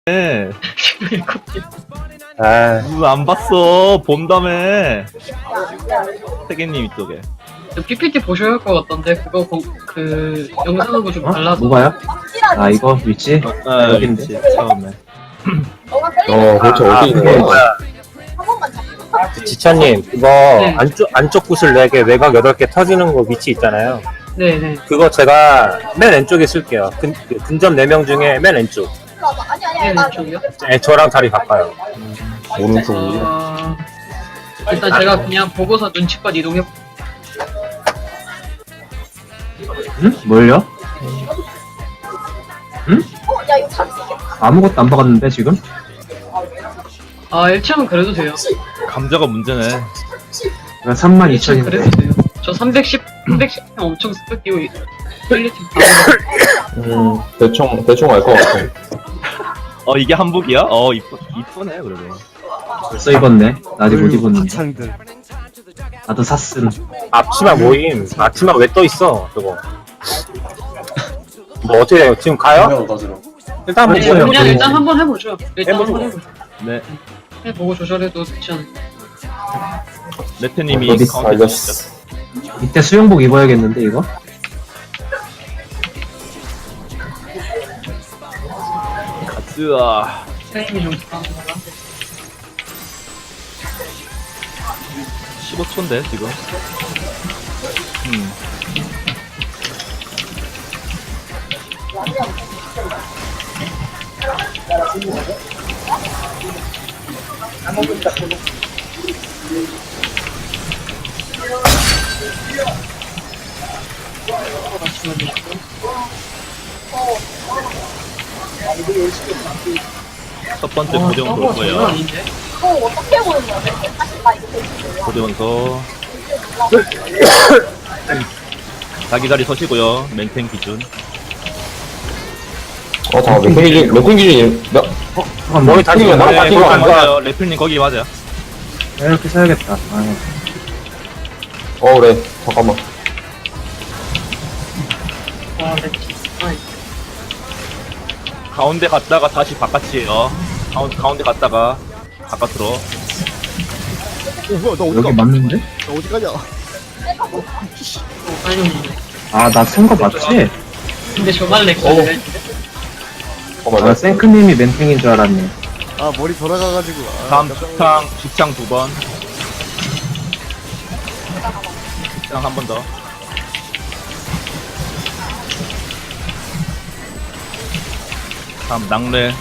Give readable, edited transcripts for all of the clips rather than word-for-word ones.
아, 안 봤어. 본다며. 세계님 이쪽에. PPT 보셔야 할 것 같던데 그거 그 영상하고 좀 달라서. 뭐가요? 아, 이거 위치? 여긴데. 그치, 처음에. 도대체 어디 있는 거야? 지차님, 그거 네. 안쪽 구슬 4개, 외곽 8개 터지는 거 위치 있잖아요. 네네. 그거 제가 맨 왼쪽에 쓸게요. 근접 4명 중에 맨 왼쪽. 네, 왼쪽이요? 네, 저랑 자리 바꿔요. 오른쪽이요? 일단 제가 그냥 보고서 눈치껏 이동해. 응? 뭘요? 응? 아무것도 안 박았는데, 지금? 아 1층은 그래도 돼요. 감자가 문제네. 내가 32,000인데. 1층은 그래도 돼요. 저 310 엄청 스펙 끼고 퀄리티 대충 알 것 같아. 이게 한복이야? 이쁘네, 그래도. 벌써 입었네. 나 아직 못 입었는데. 나도 샀음. 앞치마 모임. 앞치마 왜 떠 있어, 저거. 뭐 어떻게 해요? 지금 가요? 일단 한번 네, 보여요. 그냥 일단 한번 해보죠. 일단 한번 해보죠. 네. 해보고 조절해도 좋지 않을까. 레트님이 어디 카운트 알렸어. 해주시죠. 이때 수영복 입어야겠는데, 이거? 으아. 사장님이 좀 부탁합니다. 15초인데, 지금. 첫 번째 고대원서 올 장난 거예요. 아닌데? 고대원서. 자기 자리 서시고요. 멘탱 기준. 잠깐, 몇 기준이, 머리 다시 네, 머리 네, 다시 거기 안 가. 맞아요. 레플님 거기 맞아요. 이렇게 써야겠다. 아, 그래. 잠깐만. 와, 내 가운데 갔다가 다시 바깥이에요. 가운데 갔다가 바깥으로. 여기 맞는데? 빨리 오는데. 아, 나 쓴 거 맞지? 근데 저만 렉걸리네. 아, 생크님이 멘탱인 줄 알았네. 아 머리 돌아가가지고 다음 직창 2번. 직창 한 번 더. 다음 낙뢰.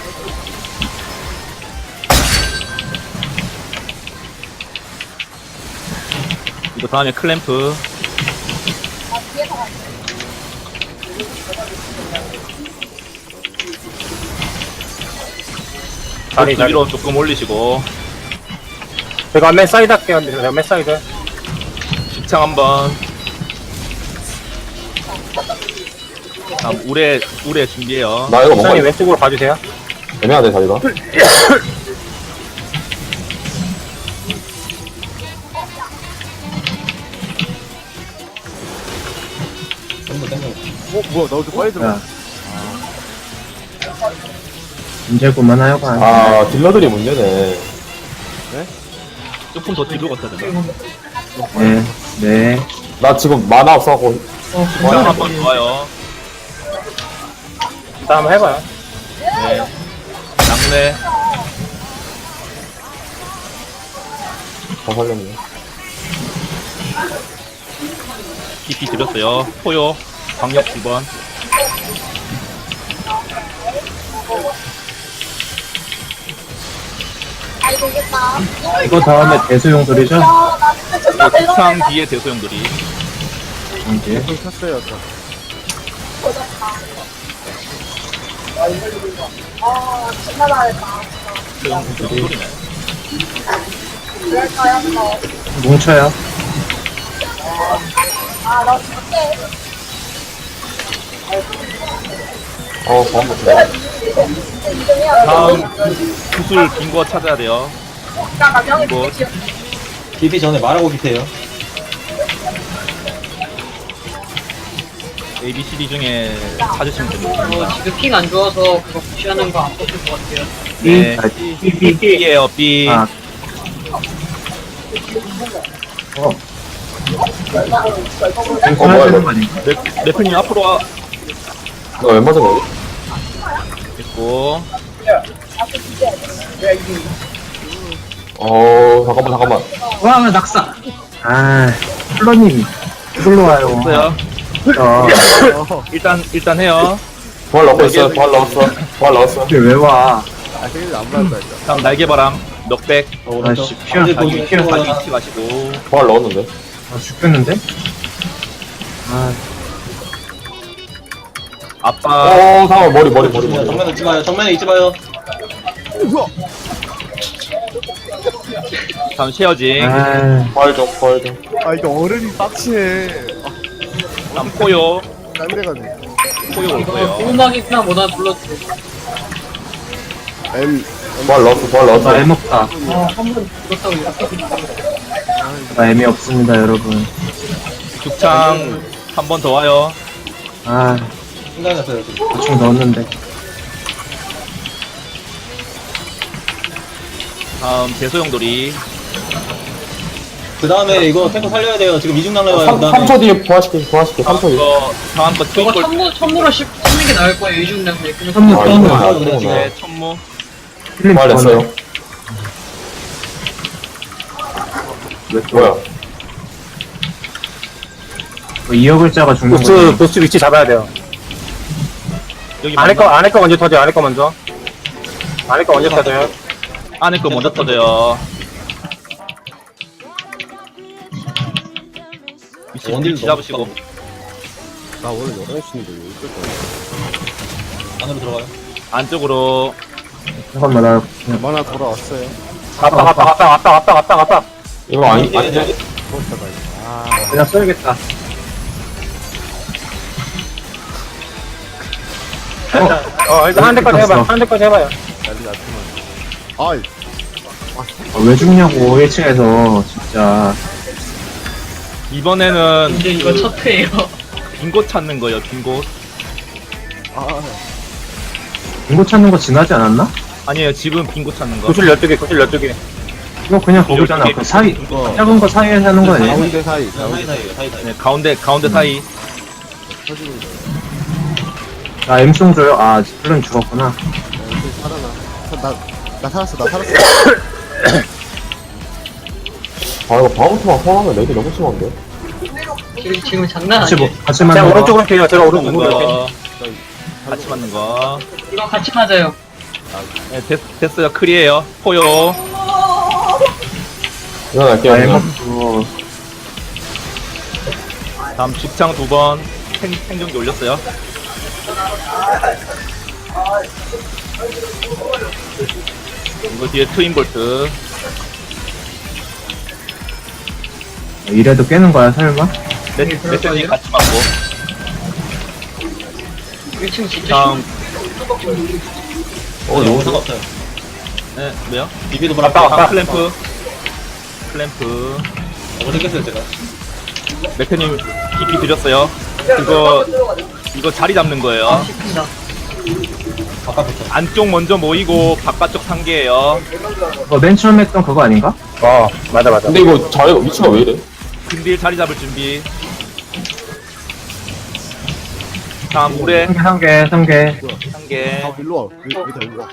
이거 다음에 클램프. 자리, 보스 위로 조금 올리시고. 제가 맨 사이드 할게요. 제가 맨 사이드. 직창 한 번. 다음 우레 준비해요. 나 이거 뭔가 선생님 왼쪽으로 가주세요. 애매하네, 자리가. 뭐야 나 어디 빨리 들어가. 야. 문제구만 하여간. 아, 딜러들이 문제네. 조금 더 뒤로 갔다 되나? 네, 네. 나 지금 만화 없어갖고. 직창 한 번 좋아요. 일단 한번 해봐요. 네. 낙뢰. 다 살렸네. 깊이 드렸어요. 포요. 광역 2번. 이거 다음에 대수용들이죠? 직창 뒤에 대소용들이. 이제. 좀 탔어요 아까. 소용들이 소리네. 뭉쳐요. 방금 좋아. 다음 구슬 빈 거 찾아야 돼요. 빈 거. 기비 전에 말하고 기세요. ABCD 중에 찾으시면 됩니다. 지금 핑 안 좋아서 그거 푸시하는 거 안 뽑힐 것 같아요. 네. B. B예요, B. 아. 뭐야, 되는 이거. 거 아닌가? 래프님 앞으로 와. 너 왜 맞은 거지? 있고. 잠깐만. 와, 낙사. 아, 플러님, 이걸로 와요. 없어요. 일단 해요. 부활 넣고 있어. 부활 넣었어. 이게 왜 와? 아 생일 안 받았다 진짜. 다음 날개바람. 넉백. 아씨, 피어, 자기 피어. 자기 위치 가시고. 부활 넣었는데. 아, 죽겠는데? 아, 아빠. 잠깐만, 머리. 정면에 있지 마요. 정면에 있지 마요. 다음 쉐어징. 아, 부활 좀. 아 이거 어른이 빡치네. 다음 포요. 딴데가네. 포요 올 이거 거예요. 꼬막이 그냥 뭐나 불러주세요. M 부활 넣었어. 나 M 없다. 한번 그렇다고 이렇게 드릴게요. 나 M이 없습니다, 여러분. 죽창 한 번 더 와요. 아, 생각이 났어요. 지금. 대충 넣었는데. 다음 대소용돌이. 그 다음에 이거 탱커 살려야 돼요. 지금 이중 날라와요. 그 다음에 3초 뒤에 부활시켜. 3초 뒤에. 다음 거 저거 트윈볼. 천무로 씹는 게 나을 거예요. 이중량대. 선물, 선물. 그러구나. 네, 천무. 필름 부활 냈어요. 뭐야? 2억 글자가 죽는 거지. 보스 위치 잡아야 돼요. 여기 안에 거 먼저 터져, 안에 거 먼저. 안에 거 먼저 터져요. 안에 거 먼저 터져요. 위치 잡으시고. 나 오늘 11시인데 왜 이럴 거야? 안으로 들어가요. 안쪽으로. 잠깐만, 나 그냥 만화 돌아왔어요. 갔다. 이거 아니? 그렇다가 아 그냥 써야겠다. 일단 한 대까지 해봐요. 한 대까지 해봐요. 난리 났구만. 아이 아, 왜 죽냐고, 1층에서, 진짜. 이번에는 이제 이거 첫 회예요. 빈 곳 찾는 거예요, 빈 곳. 아 인고 찾는 거 지나지 않았나? 아니에요, 지금 빈 곳 찾는 거. 구슬 12개. 이거 그냥 거기잖아. 그 사이, 작은 거 사이에서 하는 거 아니야? 가운데 사이 사이사이에요. 사이사이. 네, 가운데 사이. 터지는 거. 아, M송 줘요? 아, 플런 죽었구나. 이제 살아나. 나 살았어. 이거 방어투만 포함하면 렉이 너무 심한데? 지금 장난 같이, 아니에요. 같이 제가 만나. 오른쪽으로 해요. 제가 맞는 오른쪽으로 이렇게. 거. 같이 맞는 거. 이거 같이 맞아요. 네, 됐어요. 클이에요. 포요. 일어날게요. 아, M 그냥. 없고. 다음 죽창 2번. 생존기 올렸어요. 이거 뒤에 트윈볼트. 이래도 깨는 거야, 설마? 메시지 같이 맞고. 1층 진짜 다음, 너무 상관없어요. 네, 뭐요? 비비도 보라. 다음 클램프. 클램프. 생겼어요 제가. 맥크님 깊이 드렸어요. 이거 자리 잡는 거예요. 쉽습니다. 바깥부터. 안쪽 먼저 모이고 바깥쪽 상계예요. 맨 처음 했던 그거 아닌가? 맞아. 근데 이거 자리가 위치가 왜 이래? 근딜 자리 잡을 준비. 다음 물에 3개. 상계. 아 일로 와. 왜다 일로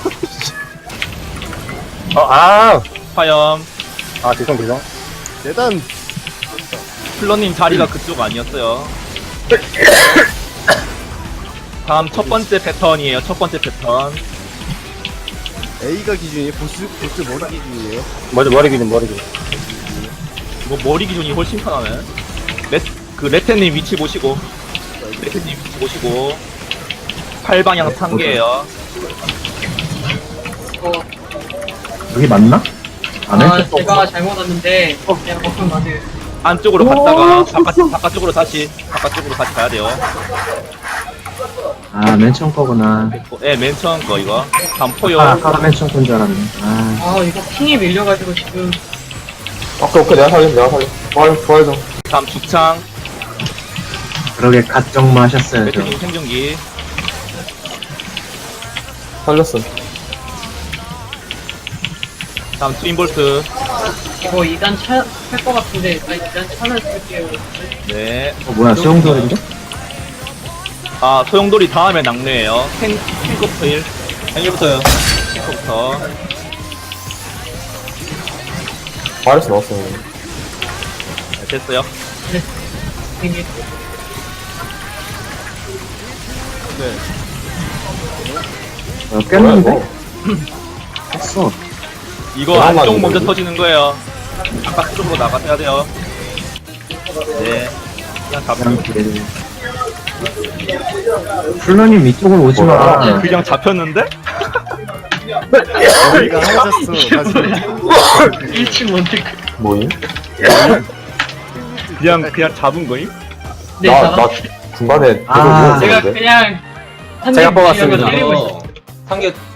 와. 화염. 죄송. 대단. 플러님 자리가 그쪽 아니었어요. 다음 첫 번째 패턴이에요. 첫 번째 패턴. A가 기준이에요. 보스 머리 기준이에요. 머리 기준. 뭐 머리 기준이 훨씬 편하네. 레테님 위치 보시고. 팔방향 상계예요. 여기 맞나? 안 해? 아, 제가 잘못 왔는데 그냥 먹으면 맞아요. 안쪽으로 갔다가 바깥쪽으로 다시 가야 돼요. 아, 맨 처음 거구나. 네, 맨 처음 거 이거. 다음 포요. 아까 맨 처음 건 줄 알았네. 아, 아, 이거 핑이 밀려가지고 지금 오케이, 내가 살려. 부활 좀. 다음 죽창. 그러게 갓정마 하셨어야죠. 배트님 생존기. 살렸어. 다음 트윈볼트. 이거 2단 찰것 같은데 나 2단 차를 쓸게요. 네. 뭐야, 수영돌인데? 아, 소용돌이 다음에 낙뢰예요. 탱커부터 1. 생일부터요. 탱커부터. 바이러스 넣었어. 네, 됐어요. 이게 깼는데? 했어. 이거 그나마 안쪽 이거 먼저 뭐지? 터지는 거예요. 바깥쪽으로 나가셔야 돼요. 네. 그냥 잡혀. 그냥 플러님 이쪽으로 오지 마. 그냥 잡혔는데? 머리가 하얘졌어. 다시. 1층 원택. 뭐임? 그냥 잡은 거임? 네, 나 중간에 아, 제가 들어오는데 그냥 제가 뽑았습니다. 때리고 있어요. 이거 상계